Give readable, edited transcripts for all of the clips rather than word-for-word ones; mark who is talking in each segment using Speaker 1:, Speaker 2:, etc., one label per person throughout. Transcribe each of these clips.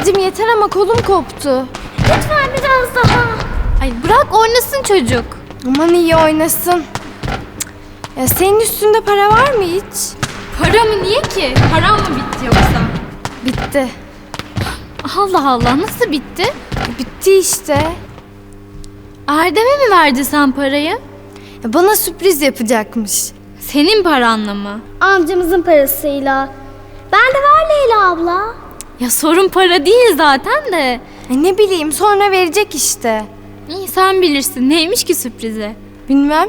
Speaker 1: Kıvılcım yeter ama kolum koptu.
Speaker 2: Lütfen biraz daha.
Speaker 3: Ay bırak oynasın çocuk.
Speaker 1: Aman iyi oynasın. Ya senin üstünde para var mı hiç?
Speaker 3: Para mı niye ki? Param mı bitti yoksa?
Speaker 1: Bitti.
Speaker 3: Allah Allah nasıl bitti?
Speaker 1: Bitti işte.
Speaker 3: Erdem'e mi verdi sen parayı?
Speaker 1: Ya bana sürpriz yapacakmış.
Speaker 3: Senin paranla mı?
Speaker 2: Amcamızın parasıyla. Ben de var Leyla abla.
Speaker 3: Ya sorun para değil zaten de.
Speaker 1: Ya ne bileyim sonra verecek işte.
Speaker 3: İyi sen bilirsin. Neymiş ki sürprizi?
Speaker 1: Bilmem.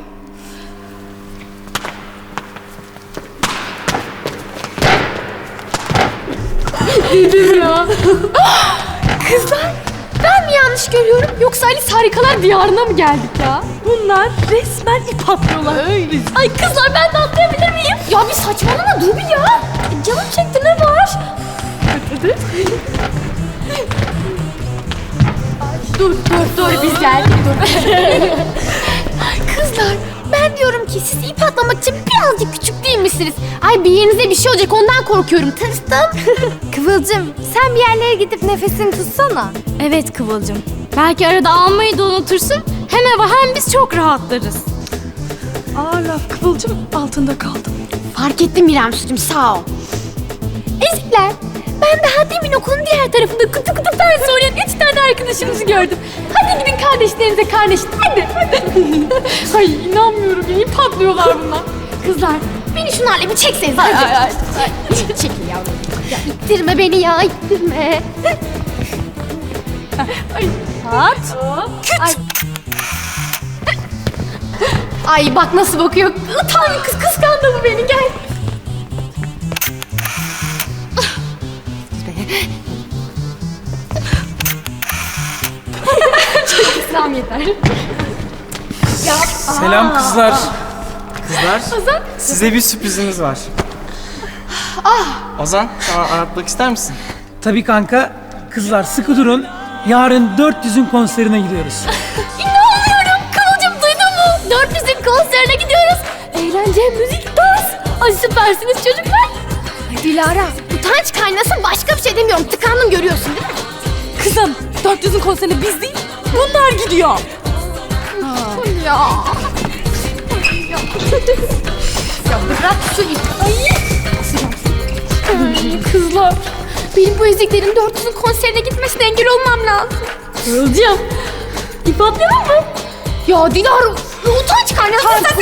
Speaker 4: Kızlar, ben mi yanlış görüyorum yoksa Alice Harikalar Diyarı'na mı geldik ya? Bunlar resmen ip atlıyorlar. Öyle. Ay kızlar ben de atlayabilir miyim? Ya bir saçmalama dur bir ya. Canım çekti ne var? Hadi. Dur biz geldik dur. Kızlar ben diyorum ki siz ip atlamak için birazcık küçük değil misiniz? Ay bir yerinize bir şey olacak ondan korkuyorum tırstım.
Speaker 1: Kıvılcım sen bir yerlere gidip nefesini tutsana.
Speaker 3: Evet Kıvılcım. Belki arada almayı da unutursun. Hem eve hem biz çok rahatlarız.
Speaker 4: Aa laf Kıvılcım altında kaldım.
Speaker 2: Fark ettim İremsucuğum sağ ol.
Speaker 4: Ezikler, ben daha demin okulun diğer tarafında kutu kutu dans oynayan 3 tane arkadaşımızı gördüm. Hadi gidin kardeşlerinize kardeşin, hadi. Ay inanmıyorum ya, ip atlıyorlar bunlar. Kızlar,
Speaker 2: Beni şunlarla bir çekseniz. Hadi. Çekil yavrum. Ya ittirme beni ya ittirme.
Speaker 4: at.
Speaker 2: Ay bak nasıl bakıyor.
Speaker 4: Utan kız kıskandı bu beni, gel. İslam yeter.
Speaker 5: Selam kızlar. Kızlar, size bir sürprizimiz var. Ozan, sana anlatmak ister misin?
Speaker 6: Tabii kanka. Kızlar sıkı durun. Yarın 400'ün konserine gidiyoruz.
Speaker 4: İnanmıyorum. Kıvılcım duydun mu? 400'ün konserine gidiyoruz. Eğlence, müzik, dans. Ay süpersiniz çocuklar.
Speaker 2: Dilara utanç kaynasın başka bir şey demiyorum. Tıkandım görüyorsun değil mi?
Speaker 4: Kızım 400'ün konserine biz değil, bunlar gidiyor.
Speaker 2: Ya. Ya bırak şu ip.
Speaker 4: Ay kızlar. Benim bu eziklerin 400'ün konserine gitmesine engel olmam lazım. Kıvılcım. İp atlayalım mı?
Speaker 2: Ya Dilara utanç kaynasın sen